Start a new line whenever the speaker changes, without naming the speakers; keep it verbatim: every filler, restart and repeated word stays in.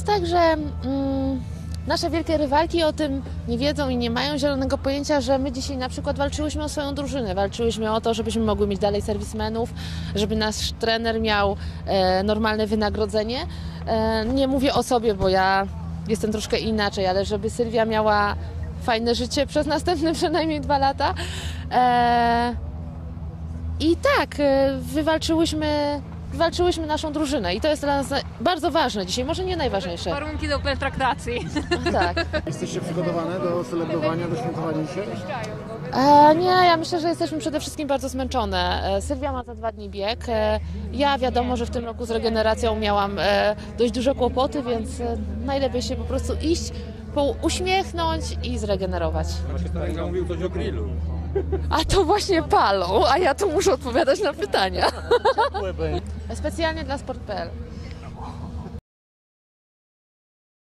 jest tak, że mm, nasze wielkie rywalki o tym nie wiedzą i nie mają zielonego pojęcia, że my dzisiaj na przykład walczyłyśmy o swoją drużynę. Walczyłyśmy o to, żebyśmy mogły mieć dalej serwismenów, żeby nasz trener miał e, normalne wynagrodzenie. E, nie mówię o sobie, bo ja jestem troszkę inaczej, ale żeby Sylwia miała fajne życie przez następne przynajmniej dwa lata. E, I tak, e, wywalczyłyśmy, wywalczyłyśmy naszą drużynę i to jest dla nas bardzo ważne dzisiaj, może nie najważniejsze.
Warunki do pertraktacji.
Tak.
Jesteście przygotowane do celebrowania, do świętowania dzisiaj?
E, nie, ja myślę, że jesteśmy przede wszystkim bardzo zmęczone. E, Sylwia ma za dwa dni bieg. E, ja wiadomo, że w tym roku z regeneracją miałam e, dość duże kłopoty, więc e, najlepiej się po prostu iść, po, uśmiechnąć i zregenerować.
Kolega mówił coś o grillu.
A to właśnie palą, a ja tu muszę odpowiadać na pytania. Specjalnie dla sport kropka p l.